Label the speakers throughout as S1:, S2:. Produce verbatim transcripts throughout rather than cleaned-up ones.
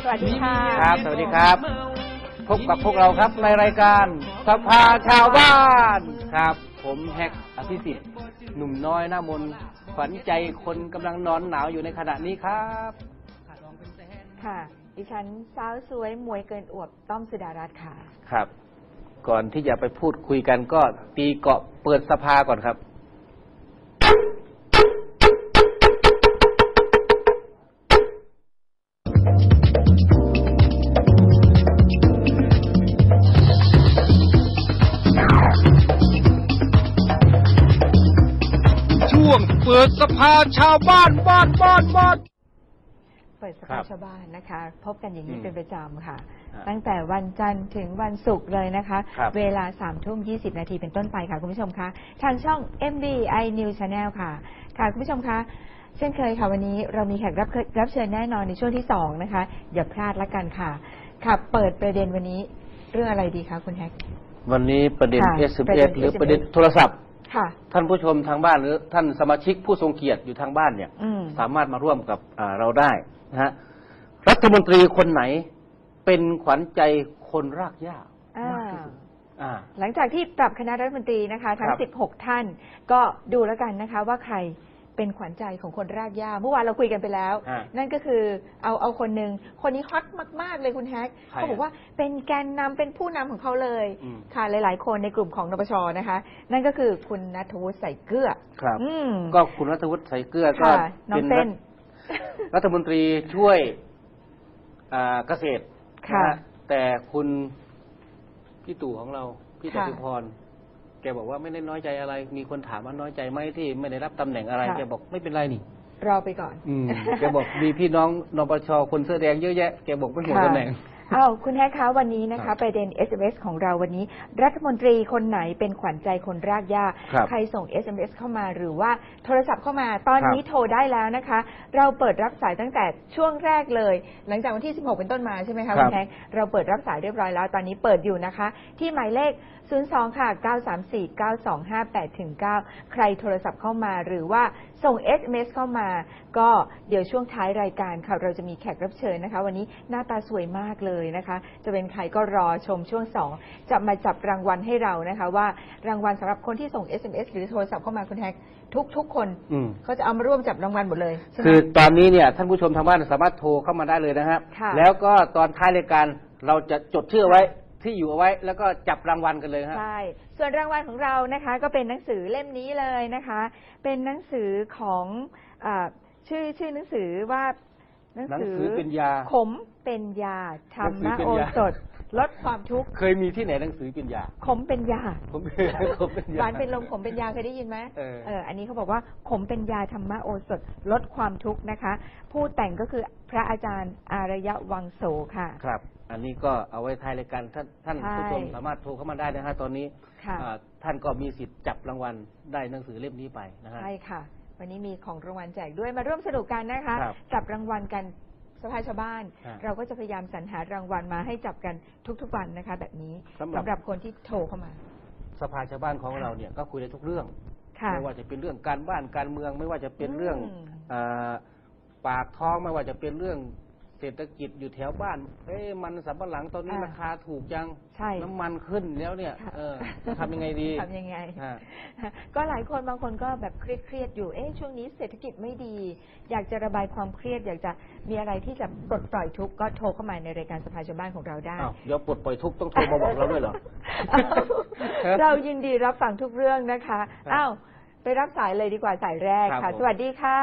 S1: วัสดีค่ะ
S2: ครับสวัสดีครับพบกับพวกเราครับในรายการสภาชาวบ้านครับผมแฮกอภิสิทธิ์หนุ่มน้อยหน้ามนขวัญใจคนกำลังนอนหนาวอยู่ในขณะนี้ครับ
S1: ค่ะดิฉันสาวสวยมวยเกินอวบต้อมสุดารัตน์ค่ะ
S2: ครับก่อนที่จะไปพูดคุยกันก็ตีเกาะเปิดสภาก่อนครับช่วงเปิดสภาชาวบ้านบ้านบ้านบ้าน
S1: เปิดสภาชาวบ้านนะคะพบกันอย่างนี้เป็นประจำค่ะตั้งแต่วันจันทร์ถึงวันศุกร์เลยนะคะเวลาสามทุ่มยี่สิบนาทีเป็นต้นไปค่ะคุณผู้ชมคะทางช่อง เอ็ม บี ไอ News Channel ค่ะค่ะคุณผู้ชมคะเช่นเคยค่ะวันนี้เรามีแขกรับรับเชิญแน่นอนในช่วงที่สองนะคะอย่าพลาดละกันค่ะค่ะเปิดประเด็นวันนี้เรื่องอะไรดีคะคุณแฮก
S2: วันนี้ประเด็น เอส เอ็ม เอส หรือประเด็นโทรศัพท์ท่านผู้ชมทางบ้านหรือท่านสมาชิกผู้ทรงเกียรติอยู่ทางบ้านเนี่ยสามารถมาร่วมกับเราได้นะฮะรัฐมนตรีคนไหนเป็นขวัญใจคนรากหญ้ามากที่สุด
S1: หลังจากที่ปรับคณะรัฐมนตรีนะคะทั้งสิบหกท่านก็ดูแล้วกันนะคะว่าใครเป็นขวัญใจของคนรากหญ้าเมื่อวานเราคุยกันไปแล้วนั่นก็คือเอาเอาคนหนึ่งคนนี้ฮอตมากๆเลยคุณแฮกเขาบอกว่าเป็นแกนนำเป็นผู้นำของเขาเลยค่ะหลายๆคนในกลุ่มของนปชนะคะนั่นก็คือคุณณัฐวุฒิ ใส่เกลือ
S2: ครับก็คุณณัฐวุฒิ ใส่เกลือก็เป็นรัฐมนตรีช่วยเกษตรแต่คุณพี่ตู่ของเราพี่จตุพรแกบอกว่าไม่ได้น้อยใจอะไรมีคนถามว่าน้อยใจไหมที่ไม่ได้รับตำแหน่งอะไรแกบอกไม่เป็นไรนี่
S1: รอไปก่อน
S2: แกบอกมีพี่น้องนปชคนเสื้อแดงเยอะแยะแกบอกไม่ห่วงตำแหน่ง
S1: อ้าวคุณแฮกคะวันนี้นะคะประเด็น เอส เอ็ม เอส ของเราวันนี้รัฐมนตรีคนไหนเป็นขวัญใจคนรากหญ้าใครส่ง เอส เอ็ม เอส เข้ามาหรือว่าโทรศัพท์เข้ามาตอนนี้โทรได้แล้วนะคะเราเปิดรับสายตั้งแต่ช่วงแรกเลยหลังจากวันที่สิบหกเป็นต้นมาใช่ไหมคะคุณแฮกเราเปิดรับสายเรียบร้อยแล้วตอนนี้เปิดอยู่นะคะที่หมายเลขศูนย์ สอง ค่ะ เก้า สาม สี่ เก้า สอง ห้า แปด เก้า ใครโทรศัพท์เข้ามาหรือว่าส่ง เอส เอ็ม เอส เข้ามาก็เดี๋ยวช่วงท้ายรายการค่ะเราจะมีแขกรับเชิญนะคะวันนี้หน้าตาสวยมากเลยนะคะจะเป็นใครก็รอชมช่วงสองจะมาจับรางวัลให้เรานะคะว่ารางวัลสำหรับคนที่ส่ง เอส เอ็ม เอส หรือโทรศัพท์เข้ามาคุณแฮกทุกทุกคนเขาจะเอามาร่วมจับรางวัลหมดเลย
S2: คือตอนนี้เนี่ยท่านผู้ชมทางบ้านสามารถโทรเข้ามาได้เลยนะครับแล้วก็ตอนท้ายรายการเราจะจดชื่อไว้ที่อยู่เอาไว้แล้วก็จับรางวัลกันเลยครับ
S1: ใช่ส่วนรางวัลของเรานะคะก็เป็นหนังสือเล่มนี้เลยนะคะเป็นหนังสือของอ่าชื่อชื่อหนังสือว่า
S2: หนังสือเป็นยา
S1: ขมเป็นยาธรรมโอสถลดความทุกข์
S2: เคยมีที่ไหนหนังสือเป็นยา
S1: ขมเป็นยา
S2: ขมเป็นยา
S1: หวานเป็นลมขมเป็นยาเคยได้ยินไหมเออเอออันนี้เขาบอกว่าขมเป็นยาธรรมโอสถลดความทุกข์นะคะผู้แต่งก็คือพระอาจารย์อารยวังโสค่ะ
S2: ครับอันนี้ก็เอาไว้ท้ายรายการท่านท่านผู้ชมสามารถโทรเข้ามาได้นะฮะตอนนี้ท่านก็มีสิทธิ์จับรางวัลได้หนังสือเล่มนี้ไปนะฮะ
S1: ใช่ค่ะวันนี้มีของรางวัลแจกด้วยมาร่วมสนุกกันนะคะจับรางวัลกันสภาชาวบ้านเราก็จะพยายามสรรหารางวัลมาให้จับกันทุกๆวันนะคะแบบนี้สำหรับคนที่โทรเข้ามา
S2: สภาชาวบ้านของเราเนี่ยก็คุยได้ทุกเรื่องไม่ว่าจะเป็นเรื่องการบ้านการเมืองไม่ว่าจะเป็นเรื่องปากท้องไม่ว่าจะเป็นเรื่องเศรษฐกิจอยู่แถวบ้านเอ้มันสำปะหลังตอนนี้ราคาถูกจังน้ำมันขึ้นแล้วเนี่ยเออทำยังไงดี
S1: ทำยังไงก็หลายคนบางคนก็แบบเครียดๆอยู่เอ๊ะช่วงนี้เศรษฐกิจไม่ดีอยากจะระบายความเครียดอยากจะมีอะไรที่จะปลดปล่อยทุกข์ก็โทรเข้ามาในรายการสภาชาวบ้านของเราได้
S2: เดี๋ยวปลดปล่อยทุกข์ต้องโทรมาบอกเราด้วยเหรอ
S1: เรายินดีรับฟังทุกเรื่องนะคะอ้าวไปรับสายเลยดีกว่าสายแรกค่ะสวัสดีค่ะ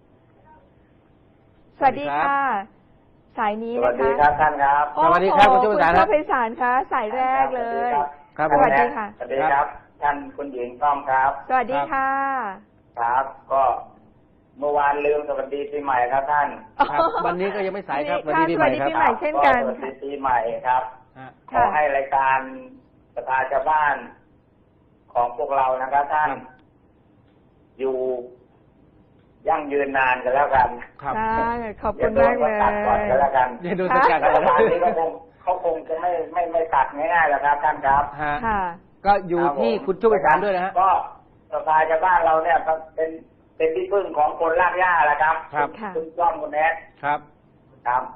S1: สวัสดีค่ะสายนี้นะคะ
S3: สวัสดีครับท่านครับ
S2: สวัสดีครับคุณ
S1: เจ้าไพศาลคะสายแรกเลย
S3: สวัสดีค่ะสวัสดีครับท่านคุณหญิงต้อมครับ
S1: สวัสดีค่ะ
S3: ครับก็เมื่อวานลืมสวัสดีปีใหม่ครับท่าน
S2: วันนี้ก็ยังไม่สายครับ
S1: สวัสดีปีใหม่ครับเช่นกัน
S3: สวัสดีปีใหม่ครับขอให้รายการสภาชาวบ้านของพวกเรานะครับท่านอยู่ยั่งยืนนานกันแล้วกัน
S1: ครับขอบคุณมากเลย
S3: ตัดก่อนกันแล้วกัน
S2: อย่าโดนตัด
S3: รัฐบาลนี้ก็คงเขาคงจะไม่ไม่ไม่ตัดง่ายๆแล้วครับท่านครับ
S2: ก็อยู่ที่คุณช่วยการด้วยนะฮะ
S3: ก็สภาชาวบ้านเราเนี่ยเป็นเป็นที่พึ่งของคนรากหญ้าแหละครับ
S2: ครับ
S3: คุณจ้อมคุณแอด
S2: ครับ
S3: ครับ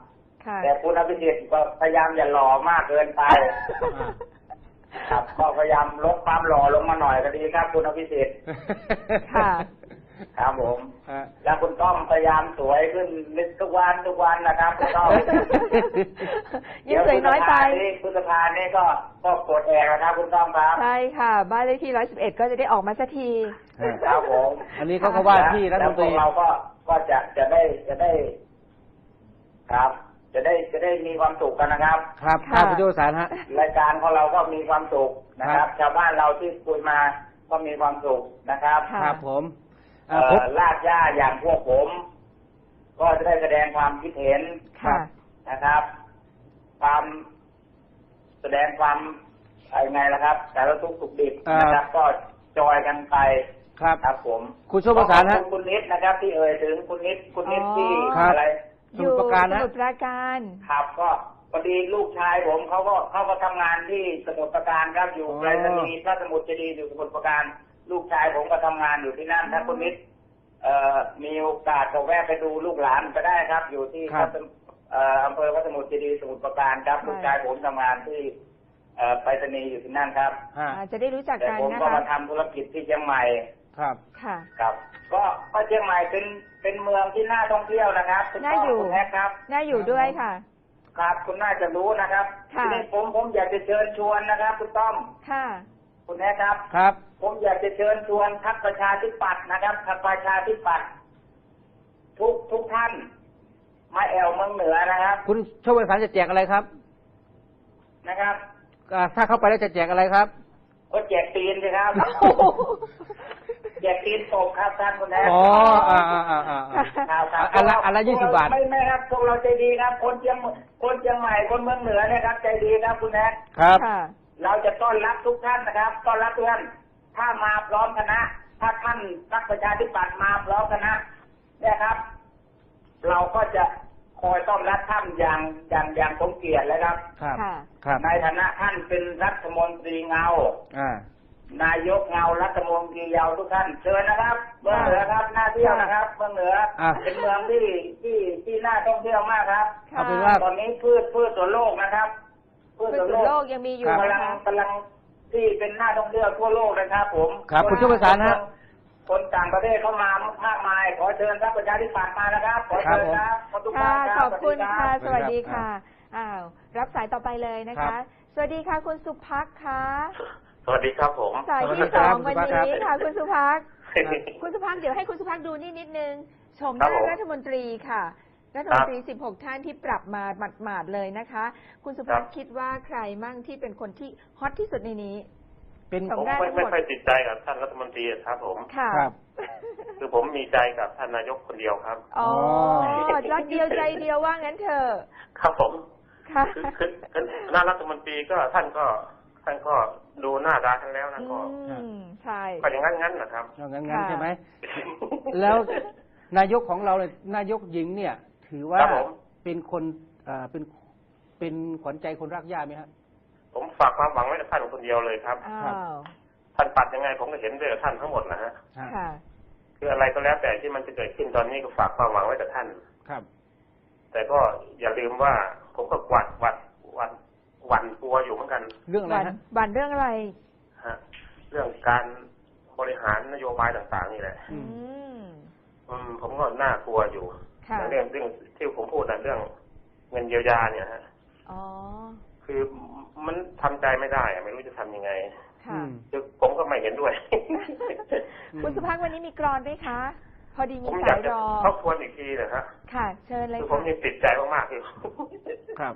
S1: ค่ะ
S3: แต่คุณอภิสิทธิ์ก็พยายามอย่าหล่อมากเกินไป ครับก็พยายามลดความหล่อลงมาหน่อยก็ดีครับ คุณอภิสิทธิ์
S1: ค่ะ
S3: ครับผม
S2: ฮะ
S3: แล้วคุณต้อมพยายามสวยขึ้นนิดทุกวันทุกวันนะครับคุณต้อม
S1: ยิ่งสวยน้อยไป
S3: คุณสภานี่ก็ก็กดแอร์นะครับคุณต้อมครับ
S1: ใช่ค่ะ บ้านเลขที่ร้อยสิบเอ็ดก็จะได้ออกมาสักที
S3: ครับผม
S2: อันนี้เขาก็ว่าที่รัฐมนตรี
S3: แล้วพวกเราก็ก็จะจะได้จะได้ ครับ จะได้จะได้มีความสุขกันนะครับ
S2: ครับ
S1: ค่ะ
S2: ครับคุณโยสารฮะ
S3: รายการของเราก็มีความสุขนะค
S2: ครั
S3: รับ
S2: บ
S3: ชาวบ้านเราที่คุยมาก็มีความสุขนะครับ
S1: ค่ะ
S2: ครับผม
S3: เอ่
S2: อ่าผม
S3: อลาดย่าอย่างพวกผม ก็จะได้แสดงความคิดเห็น
S1: ค่ะ
S3: นะครับ ความแสดงความอะไรไงล่ะครับ แต่ละทุกข์สุขดิบนะครับ ก็จอยกันไป
S2: ครับ
S3: ครับผม
S2: คุณโชคประสานฮะ
S3: ขอบคุณคุณนิดนะครับ ที่เอ่ยถึงคุณนิดคุณนิด
S1: อ๋อ
S3: ที่
S2: ครับ
S3: อะไร
S2: สมุทรปราการ
S1: ส
S2: นะ
S1: มุทรปราการ
S3: ครับก็พอดีลูกชายผมเขาก็เขาก็ทำงานที่สมุทรปราการครับอยู่
S2: อ๋อ
S3: ไปรษณีย์พระสมุทรเจดีย์อยู่สมุทรปราการ ลูกชายผมก็ทำงานอยู่ที่นั่นถ้าคุณนิดเอ่อมีโอกาสก็แวะไปดูลูกหลานก็ได้ครับ อยู่ที่
S2: ครับ
S3: พระสมุทรเอ่ออำเภอพระสมุทรเจดีย์สมุทรปราการครับ
S1: ใช่
S3: ลูกชายผมทำงานที่เอ่อไปรษณีย์อยู่ที่นั่นครับ
S2: ฮะ
S1: อ่าจะได้รู้จัก
S3: แต่
S1: กัน
S3: ผม
S1: นะ
S3: ก็
S1: คะ
S3: มาทำธุรกิจที่เชียงใหม่
S2: ครับ
S1: ค่ะ
S3: ครับ ก็ก็เชียงใหม่เป็นเป็นเมืองที่น่าท่องเที่ยวนะครับคุณ
S1: น่า
S3: พ่อ
S1: อยู่
S3: คุณแม่ครับ
S1: น่าอยู่ด้วยค่ะ
S3: ครับคุณน่าจะรู้นะครับ
S1: ค่ะ
S3: ทีนี้ผมผมอยากจะเชิญชวนนะครับคุณต้อม
S1: ค่ะ
S3: คุณแม่ครับ
S2: ครับ
S3: ผมอยากจะเชิญชวนพรรคประชาธิปัตย์นะครับพรรคประชาธิปัตย์ทุกทุกท่าน มาแอวเมืองเหนือนะครับ
S2: คุณโชคประสานจะแจกอะไรครับ
S3: นะครับ
S2: อ่าถ้าเข้าไปแล้วจะแจกอะไรครับ
S3: ก็แจกตีนสิครับ แจกตีนตกครับท่านคุณแม่
S2: อ๋ออ่าอ่าอ่าอ่า
S3: ครับครับ
S2: อันละอันละยี่สิบบาท
S3: ไม่ไม่ครับพวกเราใจดีครับ คนเชียงคนเชียงใหม่คนเมืองเหนือเนี่ยครับ ใจดีครับคุณแม่
S2: ครับ
S1: ค่ะ
S3: เราจะต้อนรับทุกท่านนะครับ ต้อนรับทุกท่าน ถ้ามาพร้อมคณะ ถ้าท่านพรรคประชาธิปัตย์มาพร้อมคณะเนี่ยครับ เราก็จะคอยต้อนรับท่านอย่างอย่างอย่างสมเกียรติเลยครับ
S2: ครับ
S1: ค่ะ
S2: ครับ
S3: ในฐานะท่านเป็นรัฐมนตรีเงา
S2: อ่า
S3: นายกเงารัฐมนตรีเยาวทุกท่านเชิญนะครับเมืองเหนือครับน่าเที่ยวนะครับเมืองเหนือ
S2: อ่ะ
S3: เป็นเมืองที่ที่ที่น่าท่องเที่ยวมากครับ
S1: ค่ะ
S2: เอาเป็นว่า
S3: ตอนนี้พืชพืชสวนโลกนะครับพืช
S1: พืช
S3: สวน
S1: ส
S3: โล
S1: วนโล
S3: ก
S1: กยังมีอยู่
S2: ครับ
S3: กำลั
S1: นะ
S3: ง
S1: คะ
S3: กำลังที่เป็นน่าท่องเที่ยวทั่วโลกนะครับ ผม
S2: ครับคุณช่วยประสานฮะ
S3: คนต่างประเทศเข้ามามากมาย ขอเชิญพรรคประชาธิปัตย์มานะครับขอเชิญครับขอทุกท่า
S1: ค่ะ
S3: นครับ
S1: ขอบคุณ
S3: สวัสดี
S1: ค่ะ
S3: รับ
S1: สวัสดีค่ะ อ้าว รับสายต่อไปเลยนะ
S2: ครั
S1: คะ
S2: บ
S1: สวัสดีค่ะ คุณสุภักค่ะ
S3: สวัสดีครับผม
S1: สาย
S2: สวัสดี
S1: ที่
S2: ค
S1: ส
S2: รั
S1: อบ ง
S2: คุ
S1: วั
S2: ณ
S1: น
S2: สุภัก
S1: นี้
S2: ครับ
S1: ค่ะ คุณสุภัก
S2: ครับ
S1: คุณสุภักเดี๋ยวให้คุณสุภักดูนี่นิดนึงชมห
S3: ครั
S1: น้า
S3: บผม
S1: รัฐมนตรีค่ะ รัฐมนตรี สิบหก ท่านที่ปรับมาหมาดๆเลยนะคะ คุณสุภัก
S3: ครับ
S1: คิดว่าใครมั่งที่เป็นคนที่ฮอตที่สุดในนี้
S2: เป็น
S1: ส
S4: ผม
S1: ง
S4: ไม่
S1: ทั้งหมด
S4: ไม่ค่อยติดใจกับท่านรัฐมนตรีครับผม
S1: ค่ะ
S2: ครับ
S4: คือผมมีใจกับท่านนายกคนเดียวครับ
S1: อ๋อ
S2: อ๋อ
S1: รักเดียวใจเดียวว่างั้นเถอะ
S4: ครับผม
S1: ค่ะ
S4: คือคือคือหน้ารัฐมนตรีก็ท่านก็ท่านก็ดูหน้ารักกันแล้วนะ
S1: อื
S4: ก็
S1: ม ใช่
S4: ก็อย่างนั้นงั้นนะครับ
S2: เอางั้นงั้น
S1: ค่ะ
S2: ใช่ไหม แล้วนายกของเราเนี่ยนายกหญิงเนี่ย ถือว่า
S4: ครับผม
S2: เป็นคนอ่าเป็นเป็นขวัญใจคนรักย่าไหมฮะ
S4: ผมฝากความหวังไว้กับท่านคนเดียวเลยครับ
S1: อ้า
S2: ครับ
S1: ว
S4: ท่านปัดยังไงผมก็เห็นด้วยกับท่านทั้งหมดนะฮะ
S2: ฮะ
S1: ค่ะ
S4: คืออะไรก็แล้วแต่ที่มันจะเกิดขึ้นตอนนี้ก็ฝากความหวังไว้กับท่าน
S2: ครับ
S4: แต่ก็อย่าลืมว่าผมก็หวัดหวัดหวัดหวั่นกลัวอยู่เหมือนกัน
S2: เรื่องอะไร
S1: บัน
S2: ฮะ
S1: บันเรื่องอะไร
S4: ฮะเรื่องการบริหารนโยบายต่างๆนี่แหละ
S2: อื
S1: อื
S2: ม
S1: ม
S4: อืมผมก็น่ากลัวอยู่
S1: ค่ะ
S4: เรื่องเรื่องที่ผมพูดนะเรื่องเงินเยียวยาเนี่ยฮะ
S1: อ๋อ
S4: คือมันทำใจไม่ได้อะไม่รู้จะทำยังไง
S1: ค่ะ
S4: คือผมก็ไม่เห็นด้วย
S1: คุณสุภาพวันนี้มีกรอนด้วยคะ พอดี
S4: ผ
S1: มี
S4: มอาก
S1: สายย
S4: จะ
S1: รอ
S4: ทบทวนอีกทีนะฮะ
S1: ค่ะ เชิญเลย
S4: คือผม
S1: ค่ะ
S4: ยังติดใจมากๆอยู่
S2: ครับ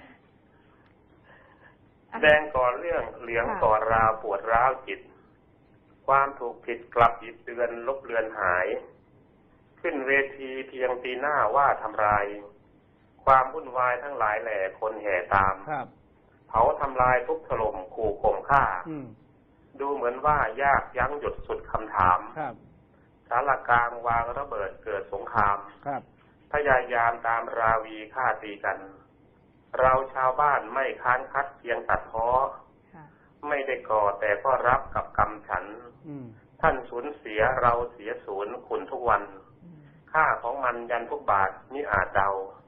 S1: อ่ะ
S4: แดงก่อเรื่องเหลือง
S1: ค่ะ
S4: ก่อราวปวดร้าวจิต ความถูกผิดกลับหยิบเตือนลบเลือนหาย ขึ้นเวทีเพียงปีหน้าว่าทำลาย ความวุ่นวายทั้งหลายแหล่คนแห่ตาม
S2: ครับ
S4: เผาทำลายทุบถล่มขู่ข่มฆ่า
S2: อืม
S4: ดูเหมือนว่ายากยั้งหยุดสุดคำถาม
S2: ครับ
S4: สารกลางวางระเบิดเกิดสงคราม
S2: ครับ
S4: พยายามตามราวีฆ่าตีกัน เราชาวบ้านไม่ค้านคัดเพียงตัดพ้อ
S1: ค่ะ
S4: ไม่ได้ก่อแต่ก็รับกับกรรมฉัน
S2: อืม
S4: ท่านสูญเสียเราเสียศูนย์คุณทุกวัน
S1: อืม
S4: ค่าของมันยันทุกบาทมิอาจเดา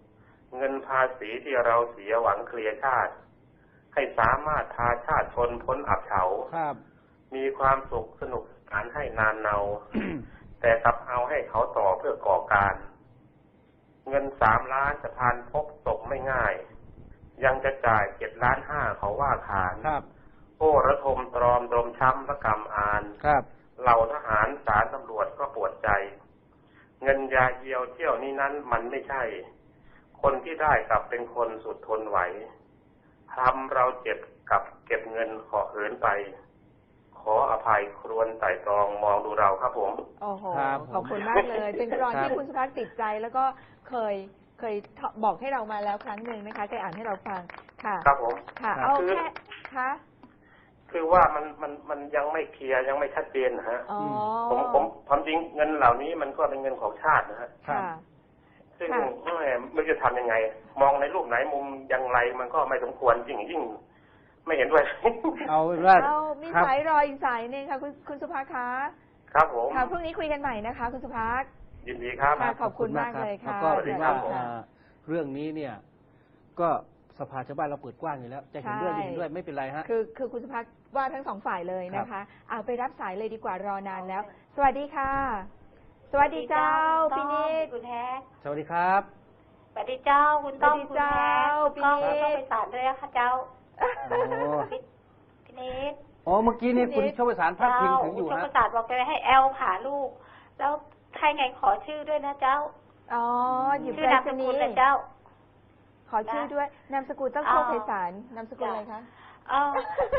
S4: เงินภาษีที่เราเสียหวังเคลียร์ชาติให้สามารถพาชาติชนพ้นอับเฉา
S2: ครับ
S4: มีความสุขสนุกสนานให้นานเนา แต่กลับเอาให้เขาต่อเพื่อก่อการ เงินสามล้านสะพานพบตกไม่ง่าย ยังจะจ่ายเจ็ดล้านห้าเขาว่าขาน
S2: ครับ
S4: โอ้ระทมตรอมตรมช้ำระกำอาน
S2: ครับ
S4: เหล่าทหารศาลตำรวจก็ปวดใจ เงินยาเยียวเที่ยวนี้นั้นมันไม่ใช่ คนที่ได้กลับเป็นคนสุดทนไหวทำเราเจ็บกับเก็บเงินขอเหินไป ขออภัยครวญไต่ตรองมองดูเราครับผม
S1: โอ้โห
S2: ครับ
S1: ขอบคุณมากเลย เป็นกรอน
S2: ครับ
S1: ที่คุณสุภักติดใจ แล้วก็เคยเคยบอกให้เรามาแล้วครั้งหนึ่งนะคะเคยอ่านให้เราฟังค่ะ
S4: ครับผม
S1: ค่ะ
S2: ครับ
S1: เอา
S4: คือ
S1: แค่คะ
S4: คือว่ามันมันมันยังไม่เคลียร์ยังไม่ชัดเจนนะฮะ
S1: อ๋อ
S4: ผมผมความจริงเงินเหล่านี้มันก็เป็นเงินของชาตินะฮะ
S1: ค่ะ
S4: ซึ่ง
S1: ค่ะ
S4: แม่ไม่รู้จะทำยังไง มองในรูปไหนมุมอย่างไรมันก็ไม่สมควรยิ่งยิ่งไม่เห็นด้วย
S2: เอาเป็นว่า
S1: เอามี
S2: ครับ
S1: สายรออีกสายหนึงค่ะคุณคุณสุภักคะ
S4: ครับผม
S1: ค่ะพรุ่งนี้คุยกันใหม่นะคะ คุณสุภัก
S4: ยินดีครับ
S1: ค่ะ ขอบคุณมากเลยค่ะ
S2: แล้วก็ถือว่า
S1: สวัสดีค่ะ
S2: เอ่อเรื่องนี้เนี่ย ก็สภาชาวบ้านเราเปิดกว้างอยู่แล้ว จะเห็นด้วย
S1: ใช่
S2: ไม่เห็นด้วยไม่เป็นไรฮะ
S1: คือคือคุณสุภักว่าทั้งสองฝ่ายเลยนะ
S2: ครั
S1: คะ
S2: บ
S1: เอาไปรับสายเลยดีกว่ารอนานแล้ว สวัสดีค่ะ สวัสดีเจ้าพี่นิด
S5: คุณแท็ก
S2: สวัสดีครับ
S5: สวัสดีเจ้าคุณต้อ
S1: สวัสดี
S5: งคุณ
S1: เจ้า
S5: แท็ก
S1: พี่
S5: ก็
S1: นิด
S5: ต้องไปศาลด้วยนะคะเจ้า
S2: โอ้
S5: พี่พี่นิด
S2: อ๋อเมื่อกี้นี่คุณ
S1: นิด
S2: โชคประสานพักพิงถึงอยู่
S5: เจ้า
S2: ฮะ
S5: คุณศาสตร์บอกจะให้แอลผ่าลูก แล้วใครไงขอชื่อด้วยนะเจ้า
S1: อ๋อหยิบ
S5: ชื่อ
S1: ไปร
S5: นาม
S1: ษ
S5: ส
S1: ณี
S5: กุล
S1: ย์
S5: นะเจ้า
S1: ขอชื่อด้วยนามสกุลต้อง
S5: อ๋อ
S1: โชคไพศาลนามสกุลอะไรคะ
S5: เออ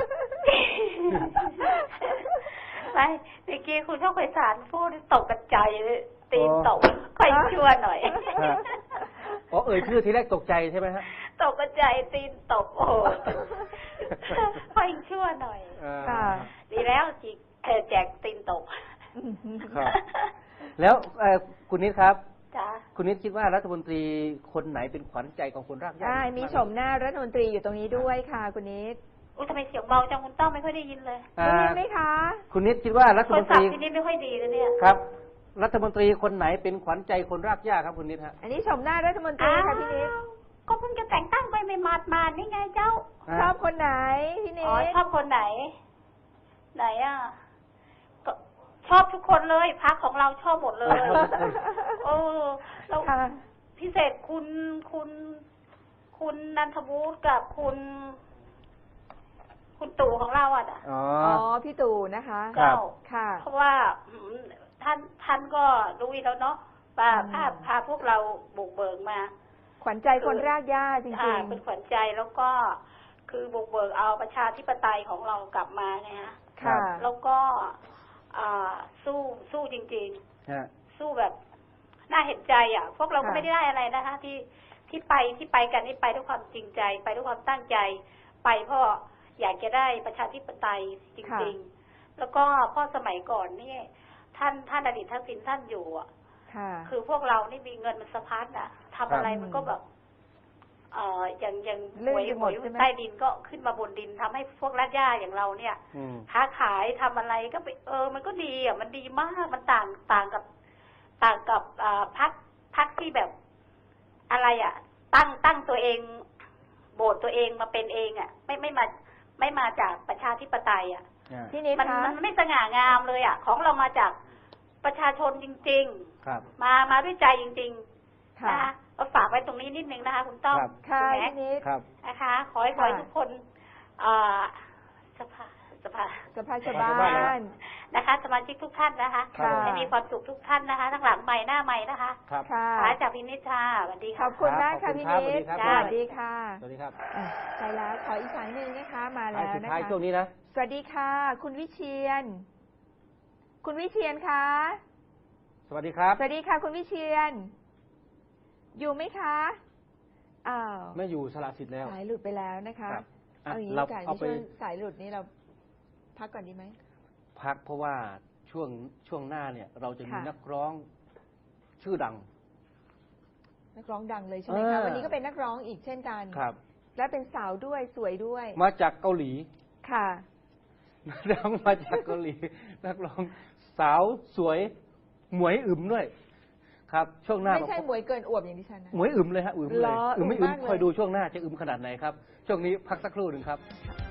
S5: ไปเมื่อกี้คุณโชคไพศาลพูดตกกระจายเลยตีนตกค่อยชั่วหน่อย
S2: ฮะ อ๋อเอ่ยชื่อทีแรกตกใจใช่ไหมฮะ
S5: ตกกระจายตีนตกโอ้โหค่อยชั่วหน่อย
S2: อ่า
S1: ค่ะ
S5: ดีแล้วจิเออแจกตีนตก
S2: ครับ แล้วเอ่อคุณนิดครับ
S5: จ้า
S2: คุณนิดคิดว่ารัฐมนตรีคนไหนเป็นขวัญใจของคนรากหญ้า
S1: อ่ามีชมหน้ารัฐมนตรีอยู่ตรงนี้ด้วยค่ะ คุณนิด
S5: อุ้ยทำไมเสียงเบาจังคุณต้อมไม่ค่อยได้ยินเลย
S2: อ่า
S1: ได้ยินไหมคะ
S2: คุณนิดคิดว่ารัฐ
S5: โท
S2: ม
S5: ร
S2: นต
S5: ศัพ
S2: รี
S5: ท์ที่นี่ไม่ค่อยดีนะเนี่ย
S2: ครับ รัฐมนตรีคนไหนเป็นขวัญใจคนรากหญ้าครับคุณนิดฮะ
S1: อันนี้ชมหน้ารัฐมนตรีค่ะพี่นิด
S5: ก็เพิ่งจะแต่งตั้งไปไม่มาดมาดนี่ไงเจ้า
S1: ชอบคนไหนพี่นิ
S5: อ๋อ
S1: ด
S5: ชอบคนไหน ไหนอ่ะก็ชอบทุกคนเลยพักของเราชอบหมดเลย โอ้แล้ว
S1: ค่ะ
S5: พิเศษคุณคุณ คุณนันทวุฒิกับคุณ คุณตู่ของเราอ่ะนะ
S2: อ๋อ
S1: อ๋อพี่ตู่นะคะ
S2: ครับ
S5: เจ้า
S1: ค่ะ
S5: เพราะว่าอืมท่านท่านก็รู้อยู่แล้วเนาะว่า
S1: อืม
S5: พาพาพวกเราบุกเบิกมา
S1: ขวัญใจคนรากหญ้าจริ
S5: อ่าง เป็นขวัญใจแล้วก็คือบุกเบิกเอาประชาธิปไตยของเรากลับมาไงฮะ
S1: ๆ ค่ะ
S5: แล้วก็อ่าสู้สู้จริง
S2: ฮะ
S5: ๆ สู้แบบน่าเห็นใจอ่ะ พวกเราก็
S1: ค่ะ
S5: ไม่ได้ได้อะไรนะคะที่ที่ไปที่ไปกันนี่ไปด้วยความจริงใจ ไปด้วยความตั้งใจ ไปเพราะอยากจะได้ประชาธิปไตยจริง ๆ แล้วก็เพราะสมัยก่อนนี่ท่านท่านอดีตทักษิณท่านอยู่อ่ะ
S1: ค่ะ
S5: คือพวกเรานี่มีเงินมันสะพัดอ่ะทำอะไร
S1: ครับ
S5: มันก็แบบ เอ่ออย่างอย่าง
S1: ลื่
S5: ห
S1: น
S5: วย
S1: ไป
S5: ห
S1: หม
S5: ว
S1: ด
S5: ย
S1: ใช่ไหม
S5: ใต้ดินก็ขึ้นมาบนดินทำให้พวกรากหญ้าอย่างเราเนี่ย
S2: อืม
S5: ค้าขายทำอะไรก็ไปเออ มันก็ดีอ่ะมันดีมากมันต่างต่างกับ ต่างกับอ่าพักพักที่แบบ อะไรอ่ะ ตั้งตั้งตัวเอง โบสตัวเองมาเป็นเองอ่ะ ไม่ไม่มา ไม่มาจากประชาธิปไตยอ่ะ
S2: อ่า
S1: พี่นิด
S5: มัน
S1: คะ
S5: มันไม่สง่างามเลยอ่ะ ของเรามาจากประชาชนจริง
S2: ครับ
S5: ๆ มามาด้วยใจจริงๆ
S1: ค่ะ
S5: นะคะก็ฝากไว้ตรงนี้นิดนึงนะคะ คุณต้อม
S2: ครับ
S1: ค่ะ
S5: ณแม็ก
S1: พี่นิด
S2: ครับ
S5: นะคะ ขอให้ขอให้
S1: ค่ะ
S5: ทุกคนอ่าสภาสภา
S1: สภาชาว
S2: สภาชาวบ้า
S1: บ้าน น
S5: นะคะ สมาชิกทุกท่านนะคะ
S1: ค่ะ
S5: ให้มีความสุขทุกท่านนะคะ ทั้งหลังใหม่หน้าใหม่นะคะ
S2: ครับ
S1: ค่ะ
S5: ขาจากพินิจชาสวัสดี
S1: ข
S5: ค่ะ
S1: อบคุณมาก
S2: ครั
S1: ค่ะ
S2: บ
S1: พี่
S2: ขอบ
S1: นิ
S2: คุณ
S1: ด
S2: ครับ
S1: สวัสดีค่ะ
S2: สวัสดีครับ
S1: อ่ะใช่แล้วขออีกสายหนึ่งนะคะ มา
S2: สาย
S1: แล้ว
S2: สุด
S1: นะ
S2: ท้าย
S1: คะ
S2: ช่วงนี้นะ
S1: สวัสดีค่ะ คุณวิเชียน คุณวิเชียนคะ
S2: สวัสดีครับ
S1: สวัสดีค่ะ คุณวิเชียน อยู่ไหมคะอ้าว
S2: ไม่อยู่สละสิทธิ์แล้ว
S1: สายหลุดไปแล้วนะคะ
S2: ครับอ่ะ
S1: เอาอย่างนี้
S2: เรา
S1: ดีกว่า
S2: เอา
S1: ใน
S2: ไป
S1: ช่วงสายหลุดนี้เราพักก่อนดีไหม
S2: พักเพราะว่าช่วงช่วงหน้าเนี่ย เราจะมี
S1: ค่ะ
S2: นักร้องชื่อดัง
S1: นักร้องดังเลยใช่ไหมคะ
S2: เออ
S1: วันนี้ก็เป็นนักร้องอีกเช่นกัน
S2: ครับ
S1: และเป็นสาวด้วยสวยด้วย
S2: มาจากเกาหลี
S1: ค่ะ
S2: นักร้องมาจากเกาหลี นักร้องสาวสวยหมวยอึมด้วยครับช่วงหน้า
S1: ไม่ใช่หมวยเกินอวบอย่างที่ฉันนะ
S2: หมวยอึมเลยฮะอึมเลย
S1: เหรอ
S2: อึมไม่
S1: อึ
S2: อึ
S1: ม
S2: ม
S1: มากเลย
S2: คอยดูช่วงหน้าจะอึมขนาดไหนครับช่วงนี้พักสักครู่หนึ่งครับ
S1: ค่ะ